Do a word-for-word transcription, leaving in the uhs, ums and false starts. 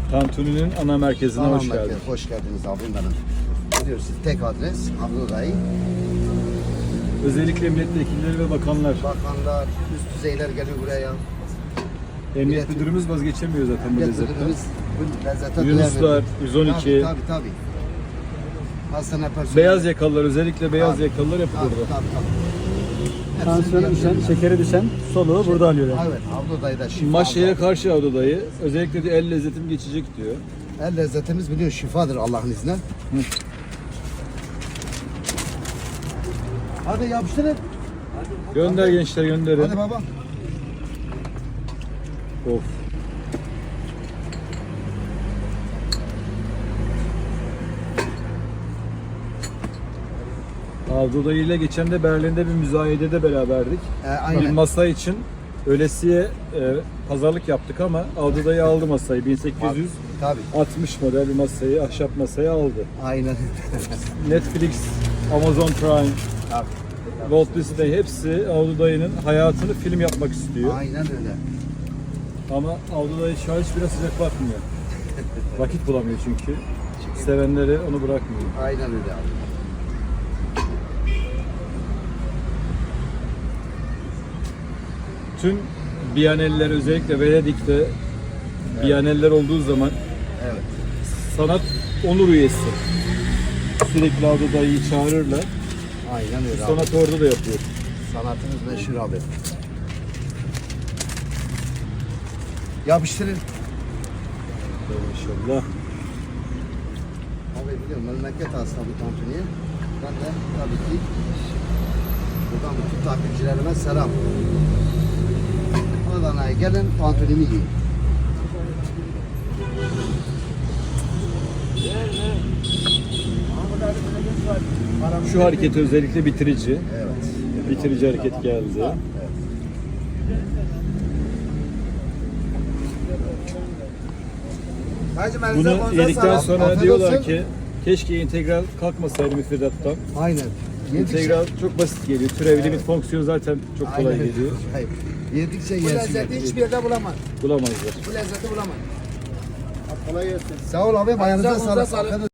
Tantuni'nin ana merkezine Tamam, hoş merkez. geldin. Hoş geldiniz abim benim. Biliyorsunuz tek adres Abdullah Dayı. Özellikle milletvekilleri ve bakanlar. Bakanlar, üst düzeyler geliyor buraya. Emniyet Millet- müdürümüz vazgeçemiyor zaten bu Millet lezzetten. müdürümüz bu lezzete Yunuslar, duyar. yüz on iki. Tabii tabii. tabii. Hastane personeli. Beyaz yakalılar, özellikle beyaz Tabii. yakalılar hep Tabii burada. tabii tabii. Tansiyonu Hepsini düşen, yapıyorlar. şekeri düşen soluğu burada alıyor yani. Evet, Abdullah Dayı'da şifa. Maşaya Abdullah. karşı Avda dayı. Özellikle de el lezzetim geçecek diyor. El lezzetimiz biliyor şifadır Allah'ın izniyle. Hadi yapıştırın. Gönder gençler, gönderin. Hadi baba. Of. Avda dayı ile geçen de Berlin'de bir müzayedede beraberdik. Ee, Bir aynen. masa için öylesiye e, pazarlık yaptık ama Avda dayı aldı masayı. bin sekiz yüz Tabii. altmış model bir masayı, ahşap masayı aldı. Aynen. Netflix, Amazon Prime, Tabii. Walt Disney hepsi Avda dayının hayatını film yapmak istiyor. Aynen öyle. Ama Avda dayı şu an hiç biraz sıcak bakmıyor. Vakit bulamıyor çünkü. Sevenleri onu bırakmıyor. Aynen öyle abi. Tüm Biyaneller, özellikle Venedik'te Biyaneller olduğu zaman Evet. sanat onur üyesi. Sürekli Avda dayıyı çağırırlar. Aynen öyle abi. Sanat orada da yapıyor. Sanatımız meşhur abi. Yapıştırın. İnşallah. Abi biliyorum memleket hasta bu tantuniye. Ben de tabii ki buradan bütün takipçilerime selam. Adana'ya gelin tantunimi yiyin. Şu hareketi özellikle bitirici. Evet. Bitirici hareket geldi. Bunu yedikten sonra Afiyet diyorlar olsun. ki keşke integral kalkmasaydı müfredattan. Aynen. Yedikçe, İntegral çok basit geliyor. Türev limit fonksiyon zaten çok kolay Aynen. geliyor. Hayır. Yedikçe Bu yersin. lezzeti hiçbir yerde bulamaz. Bulamazlar. Bu lezzeti bulamaz. Sağ ol abi. Ayağınıza Ayağınıza sağlık. sağlık.